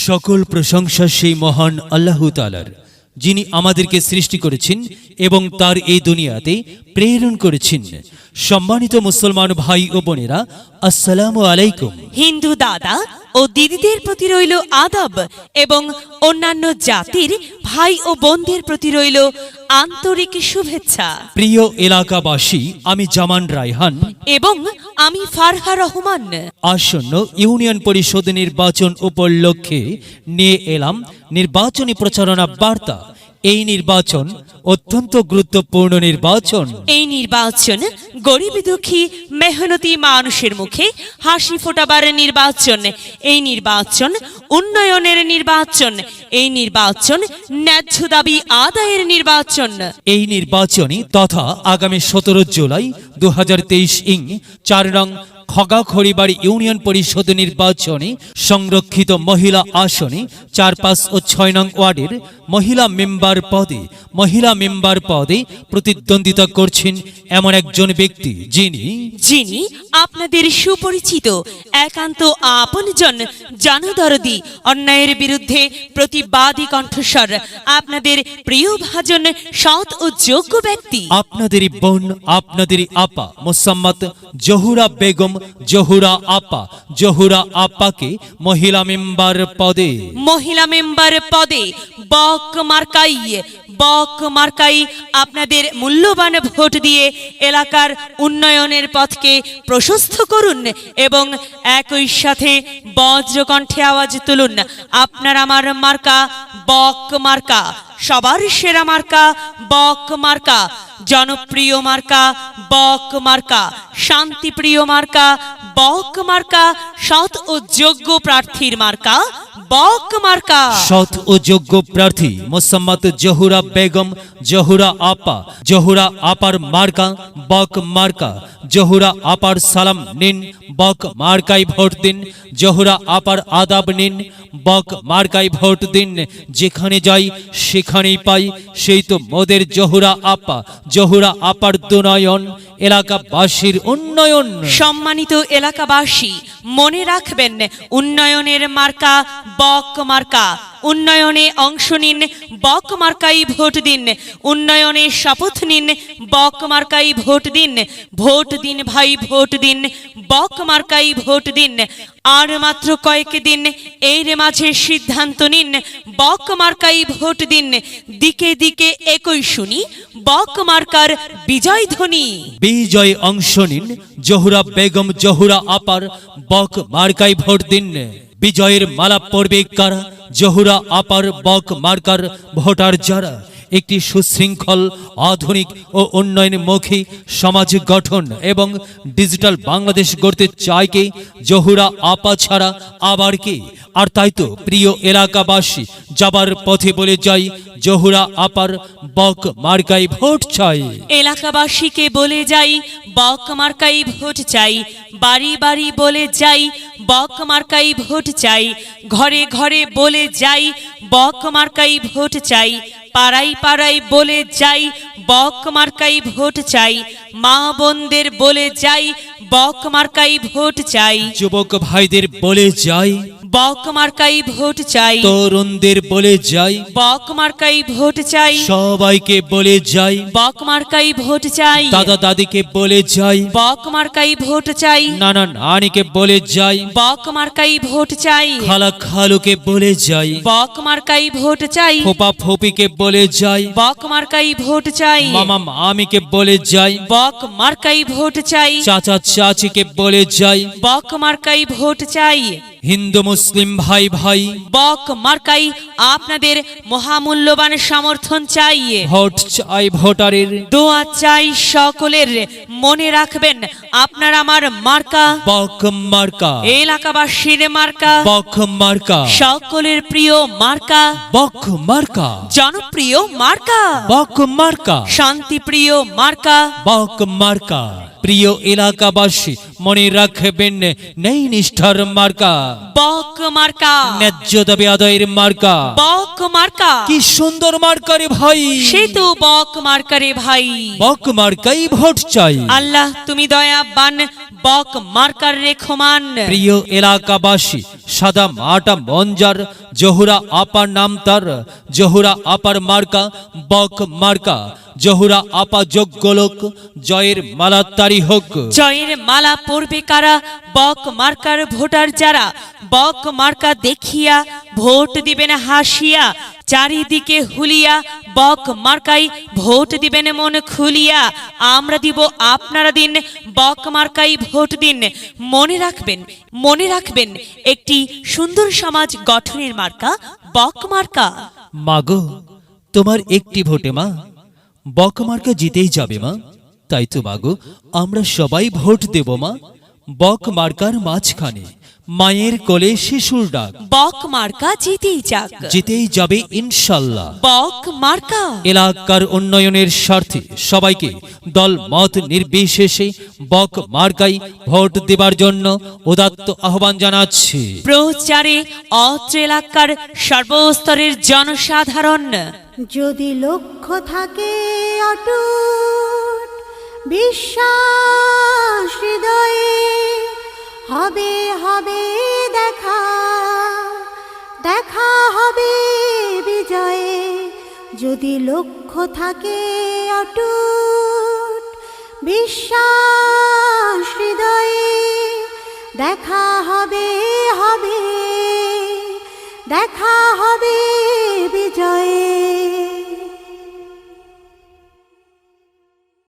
সকল প্রশংসা সেই মহান আল্লাহ তাআলার, যিনি আমাদেরকে সৃষ্টি করেছেন এবং তার এই দুনিয়াতে প্রেরণ করেছেন। সম্মানিত মুসলমান ভাই ও বোনেরা, আসসালামু আলাইকুম। হিন্দু দাদা ও দিদিদের প্রতি রইল আদব এবং অন্যান্য জাতির ভাই ও বোনদের প্রতি রইল আন্তরিক শুভেচ্ছা। প্রিয় এলাকাবাসী, আমি জামান রায়হান এবং আমি ফারহা রহমান। আসন্ন ইউনিয়ন পরিষদ নির্বাচন উপলক্ষে নিয়ে এলাম নির্বাচনী প্রচারণা বার্তা। এই নির্বাচন অত্যন্ত গুরুত্বপূর্ণ নির্বাচন। এই নির্বাচন গরিব দুঃখী মেহনতি মানুষের মুখে হাসি ফোটাবার নির্বাচন। এই নির্বাচন উন্নয়নের নির্বাচন। এই নির্বাচন ন্যায্য দাবি আদায়ের নির্বাচন। এই নির্বাচনী তথা আগামী 17 জুলাই 2023 ইং 4 নং খগাখড়িবাড়ি ইউনিয়ন পরিষদ নির্বাচনে সংরক্ষিত মহিলা আসনে 4, 5 ও 6 নং ওয়ার্ডের মহিলা মেম্বার পদে প্রতিদ্বন্দ্বিতা করছেন এমন একজন ব্যক্তি, যিনি আপনাদের সুপরিচিত, একান্ত আপনজন, জনদরদি, অন্যায়ের বিরুদ্ধে প্রতিবাদী কণ্ঠস্বর, আপনাদের প্রিয় ভাজন, সৎ ও যোগ্য ব্যক্তি, আপনাদেরই বোন, আপনাদেরই আপা মোসাম্মত জহুরা বেগম, জহুরা আপাকে মহিলা মেম্বার পদে বক মার্কাই আপনাদের মূল্যবান ভোট দিয়ে এলাকার উন্নয়নের পথকে প্রশস্ত করুন এবং একই সাথে বজ্রকণ্ঠে আওয়াজ তুলুন, আপনার আমার মার্কা বক মার্কা, সবার সেরা মার্কা বক মার্কা, জনপ্রিয় মার্কা বক মার্কা, শান্তিপ্রিয় মার্কা বক মার্কা, সৎ ও যোগ্য প্রার্থীর মার্কা বক মার্কা। সৎ ও যোগ্য প্রার্থী মোসাম্মত জহুরা বেগম, জহুরা আপার মার্কা বক মার্কা। জহুরা আপার সালাম নিন, বক মার্কাই ভোট দিন। জহুরা আপার আদাব নিন, বক মার্কাই ভোট দিন। যেখানে যাই সেখানেই পাই, সেই তো মোদের জহুরা আপার দুনয়ন, এলাকাবাসীর উন্নয়ন। সম্মানিত এলাকাবাসী, মনে রাখবেন, উন্নয়নের মার্কা বক মার্কা। উন্নয়নে অংশ নিন, বক মার্কাই ভোট দিন। উন্নয়নে শপথ নিন, বক মার্কাই ভোট দিন। ভোট দিন ভাই, ভোট দিন, বক মার্কাই ভোট দিন। আর মাত্র কয়েক দিন, এর মাঝে সিদ্ধান্ত নিন, বক মার্কাই ভোট দিন। দিকে দিকে একই শুনি বক মার্কার বিজয় ধ্বনি। বিজয় অংশ নিন, জহুরা বেগম, জহুরা আপার বক মার্কাই ভোট দিন। বিজয়ের মালা পড়বে কারা? জহুরা আপার বক মার্কার ভোটার যারা। একটি সুশৃঙ্খল, আধুনিক ও উন্নয়নমুখী সমাজ গঠন এবং ডিজিটাল বাংলাদেশ গড়তে চায় কে? জহুরা আপা ছাড়া আবার কে? আর তাই তো প্রিয় এলাকাবাসী, যাবার পথে বলে যাই, জহুরা আপার বক মার্কাই ভোট চাই। এলাকাবাসীকে বলে যাই, বক মার্কাই ভোট চাই। বাড়ি বাড়ি বলে যাই, বক মার্কাই ভোট চাই। ঘরে ঘরে বলে যাই, বক মার্কাই ভোট চাই। পাড়ায় পাড়ায় বলে যাই, বক মার্কাই ভোট চাই। মা বোনদের বলে যাই, বক মার্কাই ভোট চাই। যুবক ভাইদের বলে যাই, বক মার্কাই ভোট চাই। তরুণদের বলে যাই, বক মার্কাই ভোট চাই। সবাইকে বলে যাই, বক মার্কাই ভোট চাই। দাদা দাদিকে বলে যাই, বক মার্কাই ভোট চাই। নানা নানিকে বলে যাই, বক মার্কাই ভোট চাই। খালা খালুকে বলে যাই, বক মার্কাই ভোট চাই। ফোপা ফোপিকে বলে যাই, বক মার্কাই ভোট চাই। মামা মামিকে বলে যাই, বক মার্কাই ভোট চাই। চাচা চাচিকে বলে যাই, বক মার্কাই ভোট চাই। হিন্দু মুসলিম ভাই বক মার্কাই আপনাদের মহামূল্যবান সমর্থন চাই। ভোট চাই ভোটারের, দোয়া চাই সকলের। মনে রাখবেন, আপনার আমার মার্কা বক মার্কা, এলাকাবাসীর মার্কা বক মার্কা, সকলের প্রিয় মার্কা বক মার্কা, জনপ্রিয় মার্কা বক মার্কা, শান্তিপ্রিয় মার্কা বক মার্কা। প্রিয় এলাকাবাসী, মনে রাখবেন, নেই নিষ্ঠার মার্কা বক মার্কা, ন্যায্য দাবি আদায়ের মার্কা বক মার্কা। কি সুন্দর মার্কা রে ভাই, সে তো বক মার্কা রে ভাই। বক মার্কাই ভোট চাই। আল্লাহ তুমি দয়াবান, বক মার্কার রেখমান। প্রিয় এলাকাবাসী, সাদা মাটা মঞ্জার, জহুরা আপার নাম তার, জহুরা আপার মার্কা বক মার্কা, জহুরা আপা যোগ্য লোক, জয়ের মালা তারি হোক। জয়ের মালা পরবে কারা? বক মার্কার ভোটার যারা, বক মার্কা দেখিয়া ভোট দিবেন হাসিয়া, চারিদিকে হুলিয়া বক মার্কাই ভোট দিবেন মন খুলিয়া। আমরা দিব, আপনারা দিন, বক মার্কাই ভোট দিন। মনে রাখবেন একটি সুন্দর সমাজ গঠনের মার্কা বক মার্কা। মাগো, তোমার একটি ভোটে মা বক মার্কা জিতেই যাবে মা। তাই তো মাগো, আমরা সবাই ভোট দেব মা। বক মার্কার মাঝখানে মায়ের কোলে শিশুর ডাক, বক মার্কা জিতেই যাক, জিতেই যাবে ইনশাল্লাহ। বক মার্কা। এলাকার উন্নয়নের স্বার্থে সবাইকে দল মত নির্বিশেষে বক মার্কাই ভোট দেবার জন্য উদাত্ত আহ্বান জানাচ্ছি। প্রচারে অত্র এলাকার সর্বস্তরের জনসাধারণ। যদি লক্ষ্য থাকে অটুট, বিশ্বাস হৃদয়ে, হবে হবে দেখা, দেখা হবে বিজয়ে। যদি লক্ষ্য থাকে অটুট, বিশ্বাস হৃদয়ে, দেখা হবে হবে, দেখা হবে বিজয়ে।